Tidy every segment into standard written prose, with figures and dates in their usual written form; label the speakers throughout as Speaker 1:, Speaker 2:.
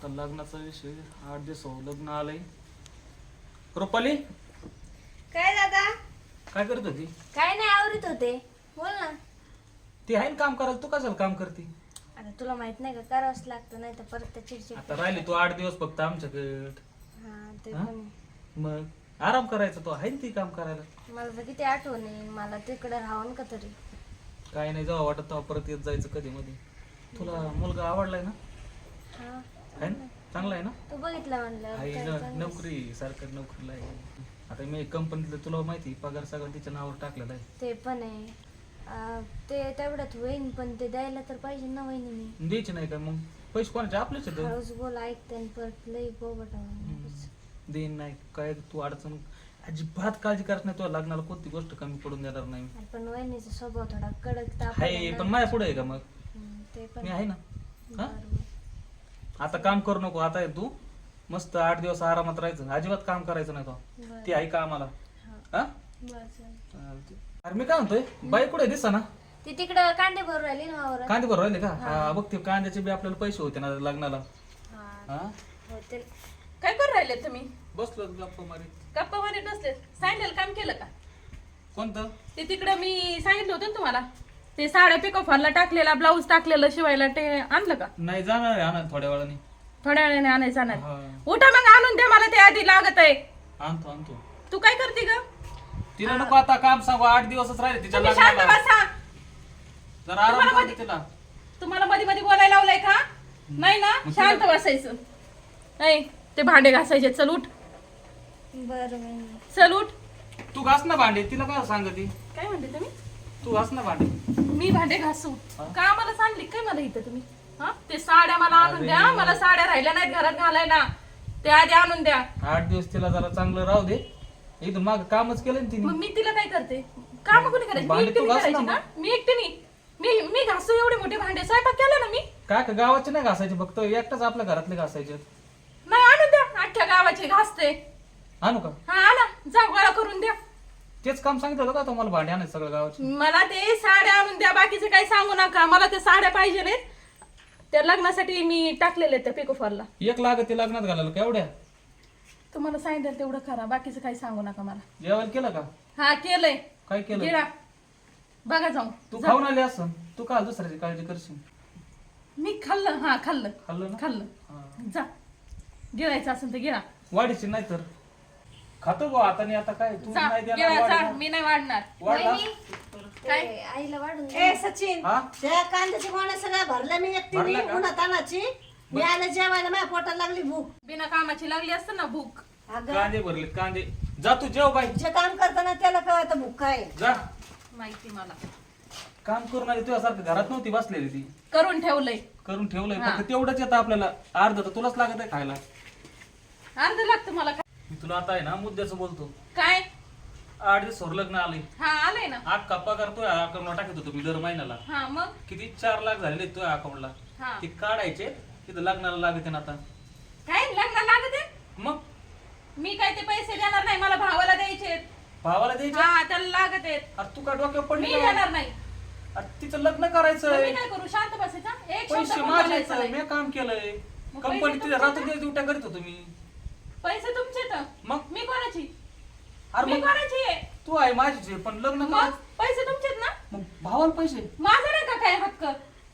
Speaker 1: आता लग्नाचा विषय 8 दिवस लग्न आलंय. रुपाली
Speaker 2: काय दादा?
Speaker 1: काय करत होती?
Speaker 2: काय नाही आवरत होते. बोल ना.
Speaker 1: ती आहे ना काम करायला, तू कशाला काम करते?
Speaker 2: आता तुला माहित नाही का करावंच लागतं, नाही तर परत त्या चिडचिड.
Speaker 1: आता राहिली तू 8 दिवस फक्त आमच्याकडे.
Speaker 2: हा ते
Speaker 1: हा?
Speaker 2: पण.
Speaker 1: मग आराम करायचा, तो आहे ना ती काम करायला.
Speaker 2: मला तर किती आठवण आहे, मला तिकडे राहावं का तरी.
Speaker 1: काय नाही, जेव्हा वाटत तेव्हा परत येत जायचं कधी मध्ये. तुला मुलगा आवडलाय ना?
Speaker 2: हा
Speaker 1: आहे ना? चांगला आहे ना?
Speaker 2: तू बघितलं म्हणलं
Speaker 1: आहे
Speaker 2: काय
Speaker 1: ना,
Speaker 2: चांगलं.
Speaker 1: नोकरी सरकारी नोकरीला आहे. आता मी कंपनीतलं तुला माहिती पगार सगळं तिच्या नावावर टाकलेला आहे.
Speaker 2: ते पण आहे. ते तेवढ्यात होईन, पण ते द्यायला तर पाहिजे ना वहिनी.
Speaker 1: द्यायचे नाही का मग? पैसे कोणाचे? आपलेच आहेत.
Speaker 2: हळूच बोल, ऐकते आणि परत लई बोबट.
Speaker 1: देईन नाही काय, तू अडचण अजिबात काळजी करत नाही. तुला लग्नाला कोणती गोष्ट कमी पडून देणार नाही.
Speaker 2: पण वहिनीचा स्वभाव थोडा कडक
Speaker 1: आहे, पण माझ्या पुढे आहे का मग?
Speaker 2: ते पण
Speaker 1: मी आहे ना. हा?
Speaker 2: बरोबर.
Speaker 1: आता काम करू नको. आता आहे तू मस्त 8 दिवस आरामात राहायचं, अजिबात काम करायचं नाही. तो
Speaker 2: बरं.
Speaker 1: ती आहे का आम्हाला? हा?
Speaker 2: बरं, चालेल.
Speaker 1: अरे मी काय म्हणतोय, बाई कुठे दिसा ना?
Speaker 2: ती तिकडं कांदे भरून राहिली ना वावरात.
Speaker 1: कांदे भरू राहिले का? हा बघ, ते कांद्याचे बी आपल्याला पैसे होते ना लग्नाला.
Speaker 2: हा,
Speaker 1: हा
Speaker 2: होते.
Speaker 3: काय करू राहिले तुम्ही?
Speaker 1: बसलो गप्पा मारी.
Speaker 3: गप्पा मध्ये बसले. सांगितलेलं काम केलं का?
Speaker 1: कोणतं?
Speaker 3: ते तिकडं मी सांगितलं होतं ना तुम्हाला, ते साड्या पिको फॉलला टाकलेला, ब्लाऊज टाकलेलं शिवायला, ते आणलं का?
Speaker 1: नाही, जाणार आहे आणा थोड्या वेळाने.
Speaker 3: थोड्या वेळाने आणायचं जाणार.
Speaker 1: हा.
Speaker 3: उठा मग आणून द्या, मला ते आधी लागत आहे.
Speaker 1: आणतो आणतो.
Speaker 3: तू काय करते ग?
Speaker 1: तिला नको आता काम सांगू, 8 दिवसच राहिले तिच्या
Speaker 3: तुम्ही शांत
Speaker 1: लग्नाला.
Speaker 3: बसा.
Speaker 1: जरा आराम
Speaker 3: तुम्हाला
Speaker 1: करू दे
Speaker 3: मध्ये-
Speaker 1: तिला.
Speaker 3: तुम्हाला मध्ये मध्ये बोलायला लावलंय का? नाही ना,
Speaker 1: मग
Speaker 3: शांत
Speaker 1: तिला-
Speaker 3: बसायचं. नाही, ते भांडे घासायचे. चल उठ,
Speaker 2: बरं वहिनी.
Speaker 3: चल उठ.
Speaker 1: तू घास ना भांडे, तिला काय सांगते?
Speaker 3: काय म्हणते तुम्ही?
Speaker 1: तू घास ना भांडे.
Speaker 3: मी भांडे घासू
Speaker 1: हा?
Speaker 3: का? मला सांगली काय मला इथं तुम्ही? हा, ते साड्या मला आणून
Speaker 1: अरे.
Speaker 3: द्या. मला साड्या राहिल्या नाहीत घरात घालायला, ते आधी आणून द्या.
Speaker 1: 8 दिवस तिला जरा चांगलं राहू दे. इथून माग कामच केलं ना
Speaker 3: मग
Speaker 1: तिने.
Speaker 3: मी तिला काय करते? काम कोणी करायची? मी
Speaker 1: भांडे तू
Speaker 3: एकटीने
Speaker 1: घास ना
Speaker 3: करायची
Speaker 1: मग.
Speaker 3: का? मी एकटीने. मी घासू एवढे मोठे भांडे, स्वयंपाक केला ना मी.
Speaker 1: काय का गावाचे नाही घासायचे, फक्त एकटाच आपल्या घरातले घासायचे.
Speaker 3: नाही, आणून द्या. अख्ख्या गावाचे घासते.
Speaker 1: आणू का?
Speaker 3: हा, आणा, जा गोळा करून द्या.
Speaker 1: तेच काम सांगितलं होतं का तुम्हाला, भांडे आणायचं सगळं गावाचे?
Speaker 3: मला ते साड्या आणून द्या, बाकीचे काही सांगू नका. मला ते साड्या पाहिजे नाहीत. त्या लग्नासाठी मी टाकलेले त्या पिको फॉलला.
Speaker 1: 1 लागते लग्नात घालायला का एवढ्या?
Speaker 3: तुम्हाला सांगितलं तेवढं करा, बाकीचं काही सांगू नका मला.
Speaker 1: जेवण केलं का?
Speaker 3: हा, केलंय.
Speaker 1: काय केलं?
Speaker 3: गिळा, बघा जाऊन.
Speaker 1: तू
Speaker 3: जा.
Speaker 1: खाऊन आली असं, तू का दुसऱ्याची काळजी करशील?
Speaker 3: मी खाल्लं. हा, खाल्लं
Speaker 1: खाल्लं ना?
Speaker 3: खाल्लं.
Speaker 1: हा.
Speaker 3: जा, गिळायचं असेल तर गिळा.
Speaker 1: वाढीची नाही तर खातो गो आता. नाही आता काय तू
Speaker 3: जा,
Speaker 1: नाही देणार
Speaker 3: गिळा, जा.
Speaker 1: वाढीला?
Speaker 3: मी नाही वाढणार.
Speaker 1: वाढला?
Speaker 2: वहिनी,
Speaker 3: काय?
Speaker 2: ते आईला वाढून दे.
Speaker 4: ए सचिन,
Speaker 1: हा?
Speaker 4: त्या कांद्याची गोण्या सगळ्या भरल्या मी एकटीने
Speaker 1: भरल्या का?
Speaker 4: उन्हात तानाची. मी आले जेवायला, माझ्या पोटाला लागली भूक.
Speaker 3: बिना कामाची लागली असतं ना भूक.
Speaker 4: अगं
Speaker 1: कांदे भरले कांदे. जा तू जेव बाई,
Speaker 4: जे काम करताना त्याला कळत भूक काय आहे.
Speaker 1: जा.
Speaker 3: माहिती मला.
Speaker 1: काम करून आली, तुझ्यासारखं घरात नव्हती बसलेली ती.
Speaker 3: करून ठेवलंय.
Speaker 1: करून ठेवलंय,
Speaker 3: हा.
Speaker 1: फक्त तेवढंच येतं आपल्याला. अर्ध तर तुलाच लागत आहे खायला.
Speaker 3: अर्ध लागतं मला.
Speaker 1: मी तुला आता आहे ना मुद्द्याचं बोलतो.
Speaker 3: काय?
Speaker 1: 8 दिवस लग्न आले.
Speaker 3: हा, आलंय ना.
Speaker 1: अख्खा पगार तुझ्या अकाउंटला टाकत होतो मी दर महिन्याला.
Speaker 3: हा, मग.
Speaker 1: किती 4 लाख झालेले तुझ्या अकाउंटला.
Speaker 3: हा.
Speaker 1: ते काढायचे, तिथं लग्नाला लागते ना आता.
Speaker 3: काय लग्न लागत आहे?
Speaker 1: मग
Speaker 3: मी काय ते पैसे देणार नाही, मला भावाला द्यायचे.
Speaker 1: भावाला द्यायचे.
Speaker 3: हा, त्याला लागत आहेत.
Speaker 1: अरे तू का डोक्यावर
Speaker 3: मी
Speaker 1: पडली का?
Speaker 3: देणार नाही.
Speaker 1: अरे तिचं लग्न
Speaker 3: मग
Speaker 1: करायचंय,
Speaker 3: मी काय करू? शांत बसायचा. एक शब्द
Speaker 1: पैसे
Speaker 3: पण
Speaker 1: माझे
Speaker 3: बोलायचा नाही.
Speaker 1: मी काम केलंय.
Speaker 3: मग
Speaker 1: कंपनी
Speaker 3: पैसे
Speaker 1: तिथे
Speaker 3: तुमचे
Speaker 1: रात्री ड्युट्या करीत होतो मी.
Speaker 3: पैसे तुमचे तर.
Speaker 1: मग
Speaker 3: मी कोणाची?
Speaker 1: अरे
Speaker 3: मी
Speaker 1: मग
Speaker 3: कोणाची आहे?
Speaker 1: तू आहे माझीच आहे, पण लग्न
Speaker 3: मग
Speaker 1: करायचं.
Speaker 3: पैसे तुमचेच ना.
Speaker 1: मग भावाला पैसे.
Speaker 3: माझा नाही का काय हक्क?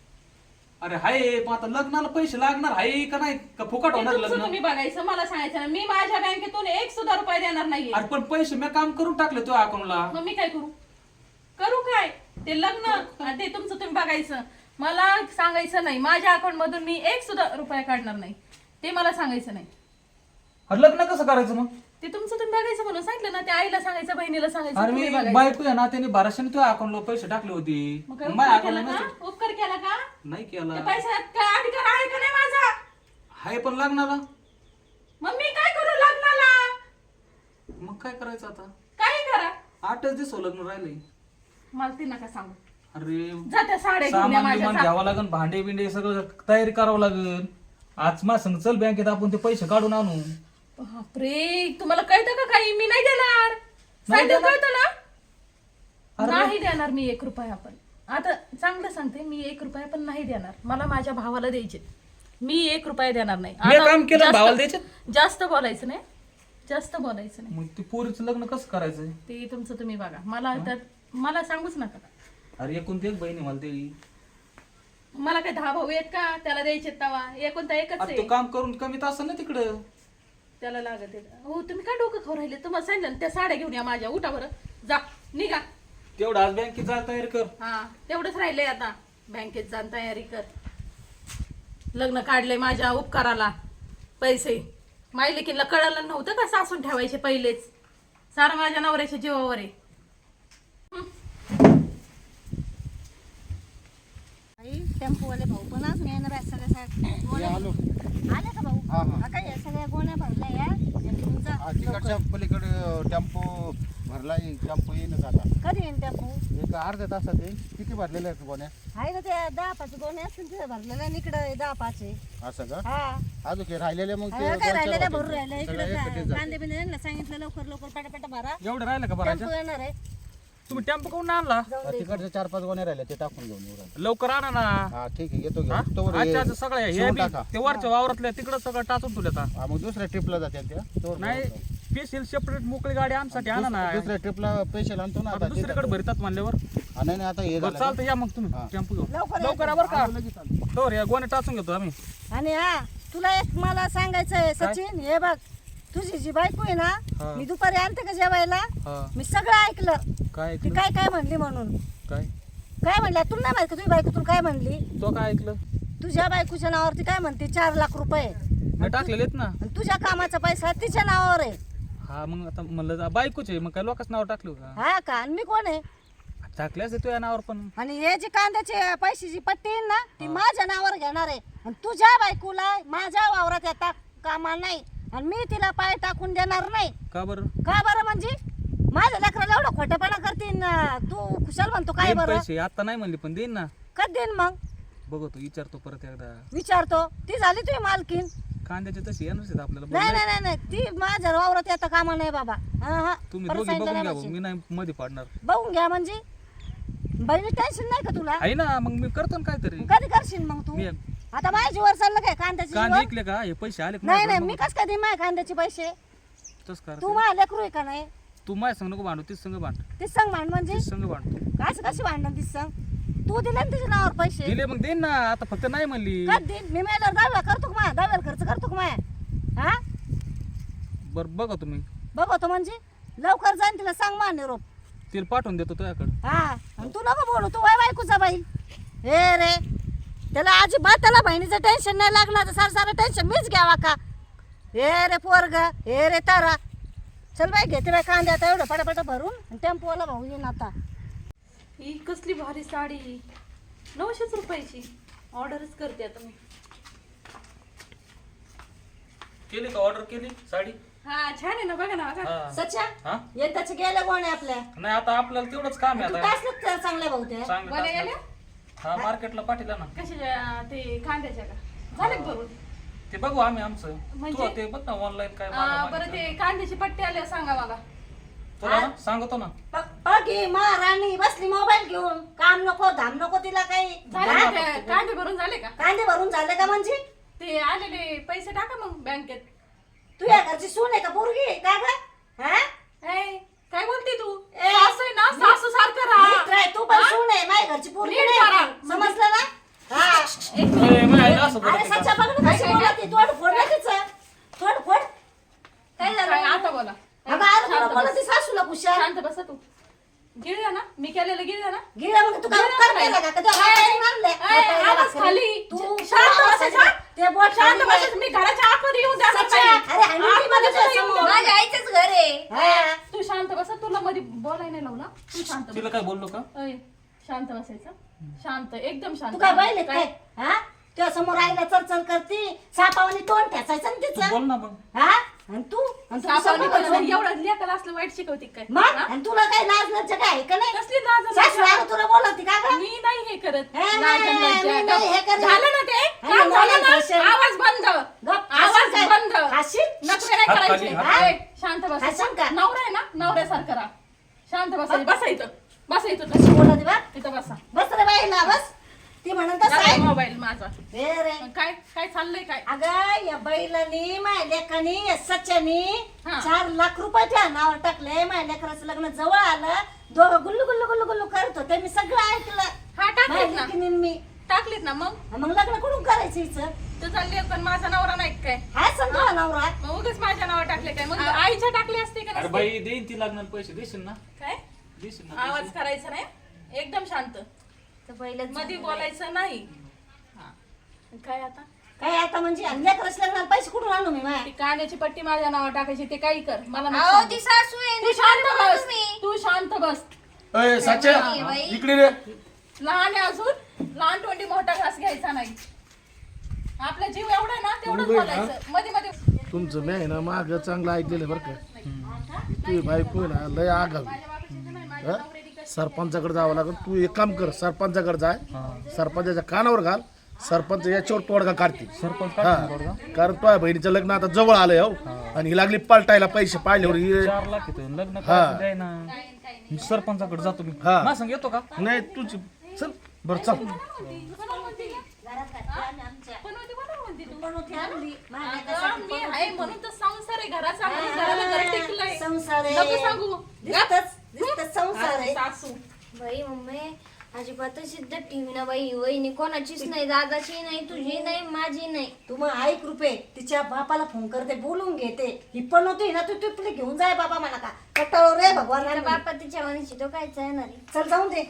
Speaker 1: अरे हाय, पण आता लग्नाला पैसे लागणार आहे का नाही, का फुकट
Speaker 3: ते
Speaker 1: होणार
Speaker 3: तुमचं
Speaker 1: लग्न?
Speaker 3: तुम्ही बघायचं, मला सांगायचं ना. मी माझ्या बँकेतून 1 सुद्धा रुपये देणार नाहीये.
Speaker 1: अरे पण पैसे मी काम करून टाकले तुझ्या अकाउंटला.
Speaker 3: मग मी काय करू? करू काय? ते लग्न आणि ते तुमचं तुम्ही बघायचं. मला सांगायचं नाही. माझ्या अकाउंट मधून मी 1 सुद्धा रुपया काढणार नाही. ते मला सांगायचं नाही.
Speaker 1: अरे लग्न कसं करायचं मग?
Speaker 3: ते तुमचं तुम्ही बघायचं म्हणून सांगितलं ना. ते आईला सांगायचं, बहिणीला सांगायचं,
Speaker 1: अरे
Speaker 3: तुम्ही
Speaker 1: मी
Speaker 3: बघायचं.
Speaker 1: बायको आहे ना, त्याने 1200 तुझ्या अकाउंटला पैसे टाकले होते.
Speaker 3: मग काय
Speaker 1: माझ्या
Speaker 3: उपकार केला
Speaker 1: अकाउंटला
Speaker 3: का? उपकार केला का?
Speaker 1: नाही
Speaker 3: त्या
Speaker 1: केला.
Speaker 3: पैशात काय अधिकार आहे का नाही माझा?
Speaker 1: हाय पण लग्नाला
Speaker 3: मग मी काय करू लग्नाला?
Speaker 1: मग काय करायचं आता?
Speaker 3: काही करा.
Speaker 1: 8च दिवस लग्न राहिले.
Speaker 3: मला ते नका सांगू.
Speaker 1: अरे
Speaker 3: जा त्या साड्या घेऊन या
Speaker 1: सामान
Speaker 3: माझ्या.
Speaker 1: बिमान
Speaker 3: जा.
Speaker 1: घ्यावं लागेल, भांडे बिंडे सगळं तयारी करावं लागेल. आज माझ्या संग चल बँकेत, आपण ते पैसे काढून आणू.
Speaker 3: बापरे, तुम्हाला कळतं का काही? मी नाही देणार.
Speaker 1: नाही
Speaker 3: सांगितलं
Speaker 1: देणार?
Speaker 3: कळतं ना.
Speaker 1: अरे
Speaker 3: नाही देणार मी 1 रुपया पण. आता चांगलं सांगते, मी 1 रुपया पण नाही देणार. मला माझ्या भावाला द्यायचे. मी 1 रुपया देणार नाही.
Speaker 1: मी
Speaker 3: आता
Speaker 1: काम केलं
Speaker 3: जास्त-
Speaker 1: भावाला द्यायचे
Speaker 3: जास्त बोलायचं नाही, जास्त बोलायचं नाही.
Speaker 1: मग ती पोरीचं लग्न कसं करायचंय?
Speaker 3: ते तुमचं तुम्ही बघा. मला सांगूच नका.
Speaker 1: अरे एकूण ते एक बहिणी मला ते
Speaker 3: मला काय 10 भाऊ आहेत का त्याला द्यायचे तवा? एकोणता एकच
Speaker 1: आता तो
Speaker 3: आहे,
Speaker 1: काम करून कमीत असं ना तिकडं.
Speaker 3: त्याला लागत आहे. हो तुम्ही काय डोकं खाऊ राहिले? तुम्हाला सांगितलं ना, त्या साड्या घेऊन या माझ्या. उठा बरं, जा निघा.
Speaker 1: तेवढं आज बँकेत जा तयारी कर.
Speaker 3: हा तेवढंच राहिलंय आता. बँकेत जाण तयारी कर. लग्न काढलंय माझ्या उपकाराला पैसे. माई लेकीला कळलं नव्हतं का सासून ठेवायचे पहिलेच. सारं माझ्या नवऱ्याच्या जीवावर आहे.
Speaker 4: टेम्पोवाले भाऊ पण आज मी येणार आहे सगळ्या गोण्या. आले का भाऊ? हा काय या सगळ्या गोण्या भरल्या या तुमचा
Speaker 5: तिकडच्या पलीकडे टेम्पो भरलाय. टेम्पो येईनच आता
Speaker 4: कधी येईन टेम्पो?
Speaker 5: एक अर्ध्या तासात येईल. किती भरलेले आहेत गोण्या?
Speaker 4: आहे ना त्या 10-5 गोण्या असतील तिथे भरलेल्या आणि इकडे 10-5 आहे.
Speaker 5: असं का?
Speaker 4: हा
Speaker 5: अजून काही राहिलेले मग ते
Speaker 4: काय
Speaker 5: दोन-चार
Speaker 4: राहिलेल्या
Speaker 5: होते.
Speaker 4: भरून राहिल्या
Speaker 5: सगळ्या
Speaker 4: इकडे
Speaker 5: एकट्ठेच जाते.
Speaker 4: कांदे बिंदे यांना सांगितलं लवकर पटापट भरा.
Speaker 1: एवढं राहिलं का बरं?
Speaker 4: टेम्पो येणार आहे.
Speaker 1: तुम्ही टेम्पो कोण आणला?
Speaker 5: हा, तिकडच्या 4-5 गोण्या राहिल्या ते टाकून घेऊन येऊ राहिले.
Speaker 1: लवकर आणा ना.
Speaker 5: हा ठीक आहे येतो
Speaker 1: हा?
Speaker 5: घेऊन. तोवर हे
Speaker 1: अच्छा सगळ्या हे
Speaker 5: शिवून
Speaker 1: बी
Speaker 5: टाका.
Speaker 1: ते वरच्या वावरातल्या तिकडं सगळं टाचून ठेवलं.
Speaker 5: हा, मग दुसऱ्या ट्रिपला जाते त्या तोवर
Speaker 1: नाही स्पेशल सेपरेट मोकळी गाडी आमसाठी आणा ना.
Speaker 5: दुसऱ्या ट्रिपला पैसे आणतो ना
Speaker 1: आता
Speaker 5: आता
Speaker 1: दुसरीकडे भरतात म्हणल्यावर
Speaker 5: हा, नाही आता हे
Speaker 1: बरं
Speaker 5: झालं
Speaker 1: चालतं. या मग तुम्ही
Speaker 5: हा.
Speaker 1: टेम्पो घेऊन
Speaker 4: लवकर
Speaker 1: लवकर या बरं का. तर या गोण्या टाचून घेतो आम्ही.
Speaker 4: आणि हा तुला एक मला सांगायचंय सचिन, हे बघ तुझी जी बायको आहे
Speaker 1: हा.
Speaker 4: ना, मी दुपारी आणते का जेवायला,
Speaker 1: हा
Speaker 4: मी सगळं ऐकलं.
Speaker 1: काय
Speaker 4: ती
Speaker 1: ऐकलं?
Speaker 4: काय काय म्हणली म्हणून.
Speaker 1: काय
Speaker 4: काय म्हणल्या तुला नाही माहित का? तुझी बायको तुला काय म्हणली?
Speaker 1: तो काय ऐकलं?
Speaker 4: तुझ्या बायकोच्या नावावरती काय म्हणते 4 लाख रुपये
Speaker 1: मी टाकलेले आहेत ना.
Speaker 4: आणि तुझ्या कामाचा पैसा तिच्या नावावर आहे.
Speaker 1: हा मग आता म्हणलं बायकोचे मग काय लोकांच नाव टाकलं का?
Speaker 4: हा का? आणि मी कोण आहे?
Speaker 1: टाकल्याच येतो या नावावर पण.
Speaker 4: आणि हे जी कांद्याची पैशाची पट्टी आहे ना, ती माझ्या नावावर घेणार आहे. आणि तुझ्या बायकोला माझ्या वावरात येता कामा नाही आणि मी तिला पाय टाकून देणार नाही.
Speaker 1: का बरं?
Speaker 4: का बरं? म्हणजे माझ्या लेकराला एवढं खोटेपणा करतीन तू कुशाल म्हणतो काय
Speaker 1: देईन
Speaker 4: बरं?
Speaker 1: पैसे आता नाही म्हणली पण देईन ना.
Speaker 4: कधी देईन मग?
Speaker 1: बघतो विचारतो परत एकदा.
Speaker 4: विचारतो. ती झाली तुझी मालकीन.
Speaker 1: कांद्याचे तशी येणारच आहेत आपल्याला.
Speaker 4: नाही
Speaker 1: बोललंय.
Speaker 4: नाही नाही नाही, ती माझ्या वावरात येता कामा नाही बाबा. हा हा
Speaker 1: तुम्ही
Speaker 4: परत
Speaker 1: दोघी
Speaker 4: सांगितलं
Speaker 1: बघून
Speaker 4: नाही
Speaker 1: घ्या
Speaker 4: म्हणजे.
Speaker 1: भाऊ. मी नाही मध्ये पाडणार.
Speaker 4: बघून घ्या म्हणजे बहिणी टेन्शन नाही का तुला?
Speaker 1: आहे ना मग मी करतो ना काहीतरी.
Speaker 4: कधी करशील मग तू?
Speaker 1: मी
Speaker 4: आता माझ्या जीवर चाललं काय कांद्याची
Speaker 1: कांदे
Speaker 4: जीवर?
Speaker 1: विकले का? हे पैसे आले का
Speaker 4: नाही
Speaker 1: माझ्याकडे?
Speaker 4: नाही, मी कस कधी माझ्या कांद्याचे पैसे?
Speaker 1: तसं कर.
Speaker 4: तू माझ्या लेकरू आहे का नाही?
Speaker 1: तू माझ्या संग नको भांडू. तीच संग भांड.
Speaker 4: तीच सांग भांड म्हणजे
Speaker 1: तीच संग भांड.
Speaker 4: असं कशी भांडण तीच सांग? तू दिले ना तिच्या नावावर पैसे.
Speaker 1: दिले मग देईन ना. आता फक्त नाही म्हणली.
Speaker 4: कधी देईन? मी मेल्यावर दहाव्या करतो का? दहाव्याला खर्च करतो का माया? हा
Speaker 1: बरं बघा तुम्ही.
Speaker 4: बघतो म्हणजे लवकर जाईन तिला सांग मा निरोप.
Speaker 1: तिला पाठवून देतो तुझ्याकडे.
Speaker 4: हा आणि तू नको बोलू. तू वय बायकोचा बाई. हे रे त्याला अजिबात त्याला बहिणीचं टेन्शन नाही लागणार तर सारं टेन्शन मीच घ्यावा का? हे रे पोरग, हे रे तारा. चल बाई घेते बाई कांदे आता एवढं पटापट भरून आणि टेम्पोवाला भाऊ येईन आता.
Speaker 3: ही कसली भारी साडी. 900 रुपयाची. ऑर्डरच करते आता मी.
Speaker 1: केली का? ऑर्डर केली साडी?
Speaker 3: हा छान आहे ना, बघा ना बघा.
Speaker 1: हा.
Speaker 4: सच्या
Speaker 1: हा?
Speaker 4: येताच गेल्या कोण आपल्या?
Speaker 1: नाही आता आपल्याला तेवढंच काम आहे
Speaker 4: तू
Speaker 1: आता.
Speaker 4: टाचलं चांगल्या भाऊ त्या.
Speaker 1: चांगलं
Speaker 3: बरं
Speaker 1: टाकलं.
Speaker 3: गेल्या?
Speaker 1: हा मार्केटला पाठीला ना.
Speaker 3: कशाच्या? ते कांद्याच्या का? झाले का भरून?
Speaker 1: ते बघू आम्ही आमचं.
Speaker 3: म्हणजे?
Speaker 1: तू ते बघ ना ऑनलाईन काय
Speaker 3: बरं ते कांद्याची पट्टी आल्या सांगा मला.
Speaker 1: तुला ना सांगतो ना.
Speaker 4: बघी महाराणी बसली मोबाईल घेऊन. काम नको धाम नको तिला काही.
Speaker 3: झाले का ते? कांदे भरून झाले का?
Speaker 4: कांदे भरून झाले का म्हणजे?
Speaker 3: ते आलेले पैसे टाका मग बँकेत.
Speaker 4: तू या घरची सून आहे का पोरगी आहे का ग? हा?
Speaker 3: ए, काय बोलते तू?
Speaker 4: ए,
Speaker 3: सासू आहे ना, सासू सारखं
Speaker 4: नीट
Speaker 3: राहा.
Speaker 4: राह, तू पण सून आहे माझ्या घरची पोरगी
Speaker 3: नीट
Speaker 4: नाही
Speaker 3: करा.
Speaker 4: आहे. समजलं ना? हा.
Speaker 3: एक मिनिट.
Speaker 1: ए, माझ्या आईला असं
Speaker 4: अरे
Speaker 1: बोलते का?
Speaker 4: सच्चा बघ ना कशी बोलते. तोड फोड ना तिचं. तोड फोड. काय झालं?
Speaker 3: काय आता बोला.
Speaker 4: अगं अरे तुला
Speaker 3: शांत
Speaker 4: बोलत
Speaker 3: बस.
Speaker 4: सासूला कुशाल.
Speaker 3: शांत बसा तू. गिळला ना मी केलेलं, गिळला ना.
Speaker 4: गिरा मग तू काय उपकार केला का? कधी हाताने आणले?
Speaker 3: ए, आवाज खाली.
Speaker 4: तू
Speaker 3: शांत बसायचं.
Speaker 4: ते बोट
Speaker 3: शांत
Speaker 4: खाली
Speaker 3: बसायचं. मी घराच्या आतमध्ये येऊन द्या
Speaker 4: सच्चा. अरे हाणून ती
Speaker 3: आतमध्ये
Speaker 4: तुझ्या
Speaker 3: तुला येऊन
Speaker 4: समोर.
Speaker 3: द्या.
Speaker 4: माझ्या
Speaker 2: आईचंच घर आहे.
Speaker 4: हा.
Speaker 3: तू शांत बसा. तुला मध्ये बोलायला नाही लावला. तू शांत बस.
Speaker 1: तिला काय बोललो का?
Speaker 3: अय, शांत बसायचं. शांत, एकदम शांत.
Speaker 4: तू काय पाहिले काय? हा तुझ्या समोर आईला चरचर करती. सापावानी तोंड ठेचायचं ना
Speaker 1: तू
Speaker 4: तिचं.
Speaker 1: बोल ना मग.
Speaker 4: हा आणि तू
Speaker 3: सापावली
Speaker 4: समोर
Speaker 3: पण एवढं लेकाला असलं वाईट शिकवते काय?
Speaker 4: मग
Speaker 3: हा?
Speaker 4: आणि तुला काय लाज लज्जा काय आहे का नाही?
Speaker 3: कसली लाज आणि
Speaker 4: सासू
Speaker 3: लज्जा?
Speaker 4: आहे तुला बोलती का गं?
Speaker 3: मी नाही हे करत.
Speaker 4: हे,
Speaker 3: लाज आणि लज्जा.
Speaker 4: मी नाही हे करत.
Speaker 3: झालं ना ते?
Speaker 4: आणि
Speaker 3: काम झालं
Speaker 4: नाही
Speaker 3: ना?
Speaker 4: भाषण.
Speaker 3: आवाज बंद.
Speaker 4: गप,
Speaker 3: आवाज
Speaker 4: हसीन काय?
Speaker 3: बंद.
Speaker 4: हसीन?
Speaker 3: नखरे नाही
Speaker 1: हात
Speaker 3: करायचे.
Speaker 1: खाली, हात
Speaker 3: ए, शांत
Speaker 4: हसीन
Speaker 3: बसायचं.
Speaker 4: का?
Speaker 3: नवरा आहे ना, नवऱ्यासारखं राहा. शांत बसायचं. बसा इथं. बसा इथं.
Speaker 4: कशी बोलती बा?
Speaker 3: इथं बसा.
Speaker 4: बस रे बाईला बस. ती म्हणत तसं आहे.
Speaker 3: मोबाईल माझा
Speaker 4: ए रे
Speaker 3: काय काय चाललंय काय
Speaker 4: अगं या बैलानी माझ्या लेकानी या सच्यानी
Speaker 3: हा.
Speaker 4: 4 लाख रुपयाच्या नावावर टाकले. माझ्या लेकराचं लग्न जवळ आलं, दोघं गुल्लू गुल्लू गुल्लू गुल्लू करत होते. मी सगळं ऐकलं.
Speaker 3: हा टाकलीत
Speaker 4: माझ्या
Speaker 3: ना
Speaker 4: लेकीनी मी
Speaker 3: टाकलीत ना मग
Speaker 4: मग लग्न कुठून करायचं हिचं?
Speaker 3: तुझा लेखन माझा नवरा नाही काय
Speaker 4: हाय समजा नवरा.
Speaker 3: मग उगाच माझ्या नावावर टाकले काय मग आईच्या टाकले असते का
Speaker 1: अरे
Speaker 3: नसते?
Speaker 1: बाई देईन ती लागणार पैसे देशील ना
Speaker 3: काय
Speaker 1: देशील ना
Speaker 3: आवाज
Speaker 1: पैसे?
Speaker 3: करायचा नाही एकदम शांत
Speaker 2: तर पहिलंच
Speaker 3: मध्ये
Speaker 2: झालं.
Speaker 3: बोलायचं नाही हा. काय आता
Speaker 4: काय आता म्हणजे आणि लेकराचं लग्नाला पैसे कुठून आणू मी माझ्या?
Speaker 3: ती काण्याची पट्टी माझ्या नावावर टाकायची ते काही कर मला नको
Speaker 2: अहो
Speaker 3: सांगू.
Speaker 2: ती सासू आहे
Speaker 3: तू
Speaker 2: ती
Speaker 3: शांत
Speaker 2: बोला
Speaker 3: बस
Speaker 2: तुम्ही.
Speaker 3: तू शांत बस
Speaker 6: अय साच्या
Speaker 2: नाही, बाई.
Speaker 6: इकडे रे.
Speaker 3: लहान आहे अजून लहान तोंडी मोठा घास घ्यायचा नाही आपला जीव एवढा आहे ना तेवढंच
Speaker 6: मुंबई ना?
Speaker 3: बोलायचं मध्ये मध्ये
Speaker 6: तुमचं मी आहे ना माग चांगलं ऐकलेलं बरं का. तुझी बायको आहे ना लय आगावी. हं? सरपंचाकडे जावं लागेल. तू एक काम कर, सरपंचाकडे जाय, सरपंचाच्या कानावर घाल, सरपंच याच्यावर तोडगा काढतील.
Speaker 1: सरपंच
Speaker 6: हा, कारण तुझ्या बहिणीचं लग्न आता जवळ आलंय हो, आणि ही लागली पलटायला पैसे पाहिल्यावर
Speaker 1: 4 लाख येतो लग्न
Speaker 6: हा.
Speaker 1: करायचं द्याय ना मी सरपंचाकडे जातो मी
Speaker 6: हा.
Speaker 1: ना सांग येतो का
Speaker 6: नाही तुझी चल बरं चल.
Speaker 3: बनवती बनव म्हणते तू.
Speaker 4: बनवती आणली. माझ्या
Speaker 3: अगं,
Speaker 4: लेकरासाठी
Speaker 3: मी आहे म्हणून तर संसार आहे घराचा आपण घराला घर टेकलंय
Speaker 4: संसार आहे.
Speaker 3: नको सांगू
Speaker 4: दिसतच संसार आहे.
Speaker 3: सासू
Speaker 2: बाई मम्मी अजिबात सिद्ध टीव्ही ना बाई वहिनी कोणाचीच नाही, दादाची नाही, तुझी नाही, माझी नाही.
Speaker 4: तू मग ऐक रुपये तिच्या बापाला फोन करते, बोलून घेते. ही पण होती ना, तू तुला घेऊन जाय बाबा मला का कटाळो रे भगवान.
Speaker 2: तिचा बापा तिच्या मनाची तो कायच येणार आहे.
Speaker 4: चल जाऊन दे.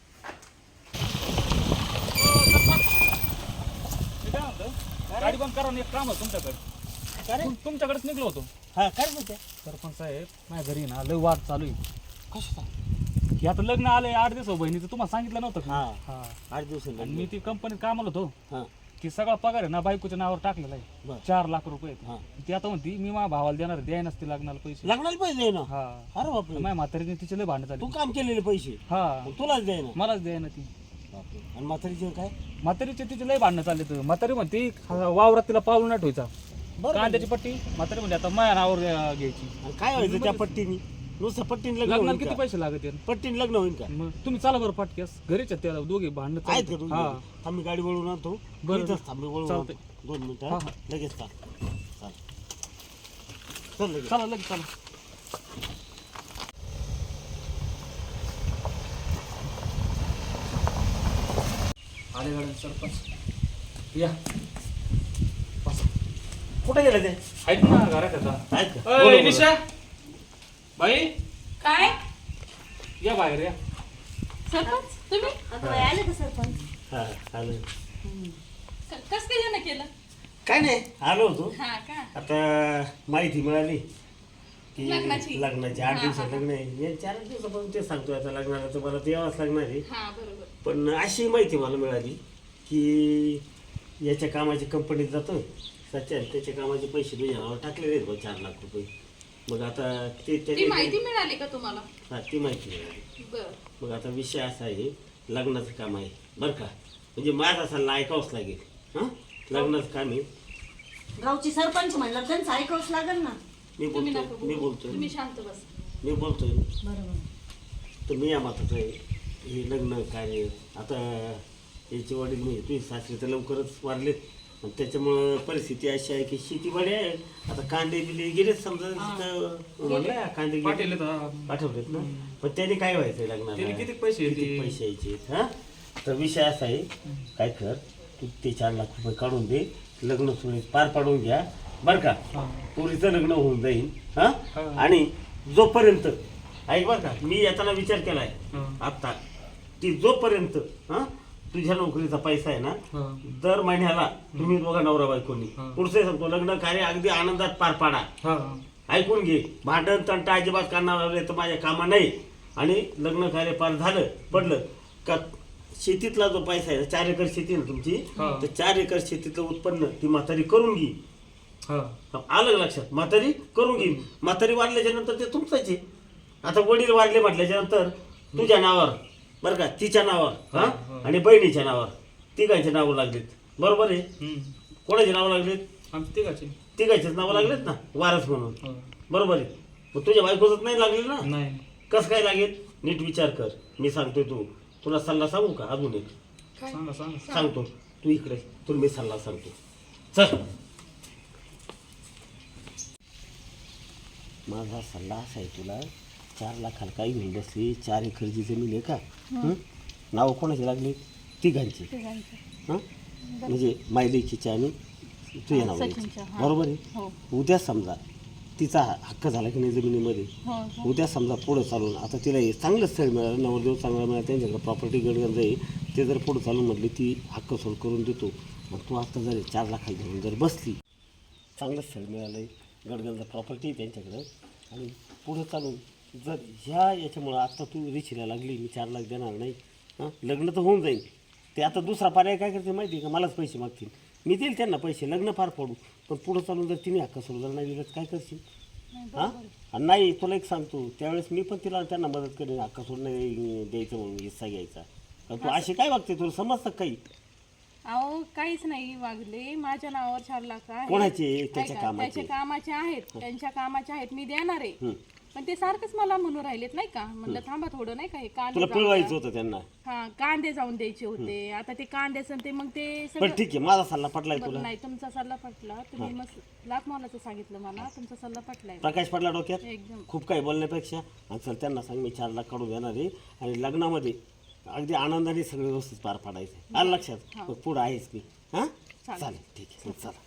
Speaker 1: मी काय म्हणतो गाडी बंद करा ना, एक काम होतं तुमच्याकडे तुमच्याकडेच निघलो होतो
Speaker 5: हा काय बोलते
Speaker 1: सरपंच साहेब माझ्या घरी ना लय वाद चालू आहे कशाचा हे आता लग्न आलंय 8 दिवस बहिणीचं तुम्हाला सांगितलं नव्हतं का? हा
Speaker 5: 8 दिवस
Speaker 1: आणि मी ती कंपनीत कामाला होतो
Speaker 5: हा
Speaker 1: की सगळा पगार आहे ना बायकोच्या नावावर टाकलेला
Speaker 5: बरं.
Speaker 1: आहे 4 लाख रुपये
Speaker 5: हा.
Speaker 1: ती आता म्हणती मी माझ्या भावाला देणार द्याय नसते लागणार पैसे
Speaker 5: लागणार पैसे ना
Speaker 1: हा
Speaker 5: अरे बापरे
Speaker 1: माझ्या म्हातारीने तिचे लय भांडण
Speaker 5: तू
Speaker 1: झाली
Speaker 5: काम केलेले पैसे
Speaker 1: हा
Speaker 5: मग तुलाच द्याय ना
Speaker 1: मलाच द्याय ना ती
Speaker 5: बापरे आणि म्हातारीचे काय
Speaker 1: म्हातारीचे तिचे लय भांडणं चालले तर म्हातारी म्हणते वावरात तिला पाऊल नाही ठेवायचा
Speaker 5: बरं
Speaker 1: कांद्याची पट्टी म्हातारी म्हणते आता माझ्या नावावर घ्यायची
Speaker 5: आणि काय व्हायचं त्या पट्टीनी नुसतं पट्टीने लग्न
Speaker 1: लग्नाला
Speaker 5: होईल
Speaker 1: किती
Speaker 5: का?
Speaker 1: पैसे लागत आहेत?
Speaker 5: पट्टीने लग्न होईल का
Speaker 1: मग तुम्ही चला बरं पाटक्यास घरीच आहेत त्याला दोघे भांडणं
Speaker 5: आहेत का
Speaker 1: चालू
Speaker 5: तुझी?
Speaker 1: हा
Speaker 5: आम्ही गाडी वळून आणतो
Speaker 1: बरं.
Speaker 5: इथंच थांब, मी वळून
Speaker 1: चालतंय.
Speaker 5: आणतो. 2 मिनिटं
Speaker 1: हा,
Speaker 5: हा? लगेच चाल चल लगेच
Speaker 1: चला लगेच चला आले गाडी सरपंच या
Speaker 5: कुठे गेले ते
Speaker 1: आहेत ना घरात आता
Speaker 5: आहेत का?
Speaker 1: अय,
Speaker 5: बोला, बोला.
Speaker 1: निशा बाई
Speaker 3: काय
Speaker 1: या बाहेर या
Speaker 3: सरपंच तुम्ही
Speaker 4: अगं बाई, आले का सरपंच?
Speaker 5: हा, आलो.
Speaker 3: कस काय जण केलं
Speaker 5: काय नाही आलो होतो
Speaker 3: हा का
Speaker 5: आता माहिती मिळाली की
Speaker 3: लग्नाची.
Speaker 5: 8 दिवसात लग्न आहे या 4 दिवसापासून ते सांगतोय आता लग्नाला तर मला ते यावंच लागणार आहे
Speaker 3: हा बरोबर
Speaker 5: पण अशी माहिती मला मिळाली की याच्या कामाची कंपनीत जातो सच्यान त्याच्या कामाचे पैसे तुझ्या नावावर टाकलेले आहेत बघ 4 लाख रुपये मग आता ते
Speaker 3: ती
Speaker 5: त्याने
Speaker 3: माहिती मिळाली का तुम्हाला
Speaker 5: हा ती माहिती मिळाली
Speaker 3: बर
Speaker 5: मग आता विषय असा आहे लग्नाचं काम आहे बरं का म्हणजे माझा सल्ला ऐकावंच लागेल हां लग्नाचं काम आहे
Speaker 4: गावची सरपंच म्हणलं त्यांचं ऐकावंच लागेल ना.
Speaker 3: तुम्ही नको
Speaker 5: मी
Speaker 3: बोलू.
Speaker 5: बोलतोय
Speaker 3: तुम्ही शांत बस
Speaker 5: मी बोलतोय
Speaker 4: बरोबर.
Speaker 5: तर मी या मताचं आहे हे लग्न कार्य आता याचे वडील म्हणजे तुझे सासरे तर लवकरच वारलेत आणि त्याच्यामुळं परिस्थिती अशी आहे की शेतीवाडी आहे आता कांदे बिले गेलेच समजा तिथं म्हणलं कांदे गेले
Speaker 1: पाटील आहेत, हा.
Speaker 5: पाठवलेत ना पण त्याने काय व्हायचं
Speaker 1: त्याने
Speaker 5: लग्नाला
Speaker 1: किती पैसे
Speaker 5: किती
Speaker 1: येतील?
Speaker 5: पैसे यायचे हा तर विषय असा आहे काय कर तू ते 4 लाख रुपये काढून दे लग्न सुरळीत पार पाडून घ्या बरं का पोरीचं लग्न होऊन जाईल हा आणि जोपर्यंत ऐक बरं का मी येताना विचार केलाय आता की जोपर्यंत हा तुझ्या नोकरीचा पैसा आहे ना दर महिन्याला तुम्ही दोघा नवरा बायकोनी पुढचे सांगतो लग्न कार्य अगदी आनंदात पार पाडा ऐकून घे भांडण तंटा अजिबात करणार तर माझ्या कामा नाही आणि लग्न कार्य पार झालं पडलं का शेतीतला जो पैसा आहे 4 एकर शेती ना तुमची तर 4 एकर शेतीतलं उत्पन्न ती म्हातारी करून घे आलं लक्षात म्हातारी करून घे म्हातारी वाढल्याच्या नंतर ते तुमचंच आहे आता वडील वाढले म्हटल्याच्या नंतर तुझ्या नावावर बरं का तिच्या नावावर हा आणि बहिणीच्या नावावर तिघांचे नावं लागलेत बरोबर आहे कोणाचे नावं लागलेत तिघांचेच नावं लागलेत ना वारस म्हणून बरोबर आहे मग तुझ्या बायकोच नाही लागले ना
Speaker 1: नाही
Speaker 5: कसं काय लागेल नीट विचार कर मी सांगतोय तुला सल्ला सांगू का अजून एक
Speaker 1: सांगा सांगा.
Speaker 5: सांगतो. तू इकडे तुला मी सल्ला सांगतो. चल. माझा सल्ला असा आहे तुला, 4 लाखाला काही घेऊन बसली, 4 एकरची जमीन आहे का? नाव कोणाची लागली? तिघांची. हां म्हणजे मायलेकीची आणि तुझ्या नावाची, बरोबर आहे. उद्या समजा तिचा हक्क झाला की नाही जमिनीमध्ये, उद्या समजा पुढं चालून आता तिला हे चांगलं स्थळ मिळालं, नवरदेव चांगला मिळाला, त्यांच्याकडे प्रॉपर्टी गडगंज आहे, ते जर पुढं चालून म्हटली ती हक्क सोड करून देतो. मग तू आता जर 4 लाखाला घेऊन जर बसली, चांगलं स्थळ मिळालं आहे, गडगंज प्रॉपर्टी त्यांच्याकडं, आणि पुढं चालून जर ह्या याच्यामुळं आता तू रिचीला लागली, मी 4 लाख देणार नाही, हां लग्न तर होऊन जाईल. ते आता दुसरा पर्याय काय करते माहिती आहे का? मलाच पैसे मागतील, मी देईल त्यांना पैसे, लग्न पार पडू. पण पुढं चालून जर तिने हक्क सोड जर नाही दिलं तर काय करशील? हां आणि नाही तुला एक सांगतो, त्यावेळेस मी पण तिला त्यांना मदत करेन, हक्क सोड नाही द्यायचं म्हणून हिस्सा घ्यायचा. तू अशी काय वागते? तुला समजतं काही?
Speaker 3: अहो काहीच नाही वागले, माझ्या नावावर 4 लाख आहे.
Speaker 5: कोणाचे? त्याच्या
Speaker 3: ऐका,
Speaker 5: कामाचे.
Speaker 3: त्याच्या कामाचे आहेत, त्यांच्या कामाचे आहेत, मी देणार आहे. पण ते सारखंच मला म्हणून राहिलेत नाही का, म्हणलं थांबा थोडं नाही का, हे कांदे
Speaker 5: तुला
Speaker 3: जाऊन
Speaker 5: पिळवायचं
Speaker 3: द्या.
Speaker 5: होतं त्यांना.
Speaker 3: हा कांदे जाऊन द्यायचे होते, आता ते कांद्याचं ते मग ते
Speaker 5: पण
Speaker 3: सगळं.
Speaker 5: ठीक आहे, माझा सल्ला पटलाय
Speaker 3: बरं,
Speaker 5: तुला?
Speaker 3: नाही तुमचा सल्ला पटला, तुम्ही मस्त लाख मोलाचं सांगितलं मला, तुमचा सल्ला पटलाय
Speaker 5: प्रकाश पडला डोक्यात
Speaker 3: एकदम.
Speaker 5: खूप काही बोलण्यापेक्षा. आणि चल त्यांना सांग मी 4 लाख काढून देणार आहे, आणि लग्नामध्ये अगदी आनंदाने सगळे व्यवस्थित पार पाडायचं. आलं लक्षात? मग पुढं आहेच मी. हां चालेल, ठीक आहे, मग चला.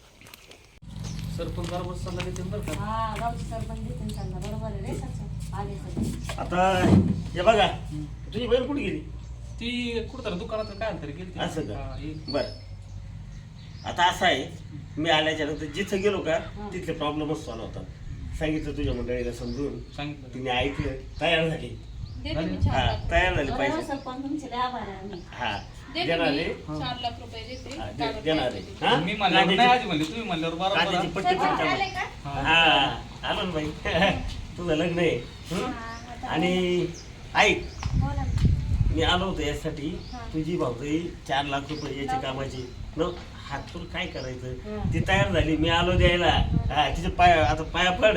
Speaker 1: सरपंच बरोबर सल्ला देते बरं का.
Speaker 4: हा गावची सरपंच देते चालला, बरोबर आहे रे सच्चा. आले सगळे.
Speaker 5: आता हे बघा, तुझी बहीण कुठे गेली?
Speaker 1: ती कुठं दुकानात काय तरी गेली.
Speaker 5: असं का? बरं, आता असं आहे, मी आल्याच्या नंतर जिथं गेलो का तिथले प्रॉब्लेमच सॉल्व्ह होतात. सांगितलं तुझ्या मंडळीला समजून,
Speaker 1: सांगितलं.
Speaker 5: तिने ऐकलं, तयार झाली.
Speaker 3: देते मी 4
Speaker 5: हा
Speaker 3: लाख.
Speaker 5: तयार झाली
Speaker 4: बरोबर
Speaker 5: पाहिजे.
Speaker 4: सरपंच तुमचे लय आभार आहे आम्ही.
Speaker 5: हा
Speaker 3: देते
Speaker 5: देणार
Speaker 3: मी
Speaker 5: आहे.
Speaker 3: 4 लाख रुपये देते.
Speaker 5: हा,
Speaker 3: कारण
Speaker 5: देणार
Speaker 3: काय
Speaker 5: आहे. हा?
Speaker 1: मी म्हणल्यावर नाही आजी म्हणली, तुम्ही म्हणल्यावर
Speaker 5: कांद्याची
Speaker 1: बरोबर.
Speaker 5: पट्टी पण
Speaker 2: आले
Speaker 5: टाकली.
Speaker 2: का?
Speaker 5: हा आलो ना बाई. तुझं लग्न आहे. आणि ऐक,
Speaker 2: बोला.
Speaker 5: मी आलो होतो यासाठी, तुझी भाऊजाई 4 लाख रुपये याची कामाची न हातून काय करायचं, ती तयार झाली, मी आलो द्यायला. हा तिचे आता पाया पड.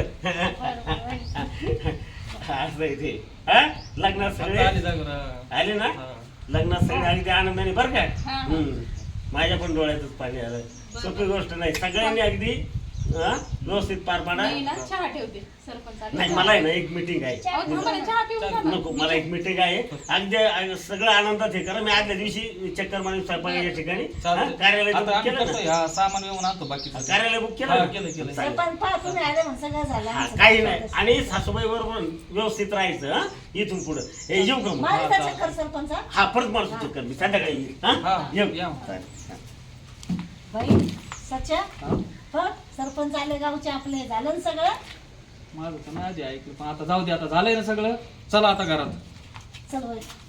Speaker 5: असं आहे ते. हा लग्नात सगळे
Speaker 1: आली जागर.
Speaker 5: आले ना, लग्नात सगळे अगदी आनंदाने बरं का. माझ्या पण डोळ्यातच पाणी आलं. सोपी गोष्ट नाही, सगळ्यांनी अगदी व्यवस्थित पार पाडा.
Speaker 3: मी ना चहा ठेवते, सरपंच आले.
Speaker 5: नाही मला आहे ना एक मीटिंग आहे.
Speaker 3: अहो, थांबा ना, चहा पिऊन जा ना.
Speaker 5: नको, मला एक मीटिंग आहे, अगदी सगळं आनंदात हे करा. मी आदल्या दिवशी चक्कर मारून स्वयंपाकाच्या ठिकाणी कार्यालय
Speaker 1: आता
Speaker 5: बुक
Speaker 1: आम्ही
Speaker 5: केलं
Speaker 1: करतोय,
Speaker 5: ना?
Speaker 1: हा सामान येऊन आणतो बाकी.
Speaker 5: कार्यालय बुक केलं
Speaker 1: हा,
Speaker 5: ना?
Speaker 1: केलं, केलं.
Speaker 5: चालेल.
Speaker 4: सरपंच पहा तुम्ही आले म्हणून सगळं झालं
Speaker 5: हा,
Speaker 4: आमचं.
Speaker 5: काही नाही. आणि सासूबाई बरोबर व्यवस्थित राहायचं. हा इथून पुढे हे येऊ का मग?
Speaker 4: माझ्या चक्कर सरपंच.
Speaker 5: हा परत मला चक्कर मी संध्याकाळी येईल.
Speaker 1: हा,
Speaker 5: हा येऊ.
Speaker 1: या.
Speaker 5: चालेल.
Speaker 4: बाई सच्चा बघ सरपंच आले गावचे आपले, झालं ना सगळं.
Speaker 1: माझं तर नाही आधी ऐकलं, पण आता जाऊ दे, आता झालंय ना सगळं. चला आता घरात.
Speaker 4: चल बाई.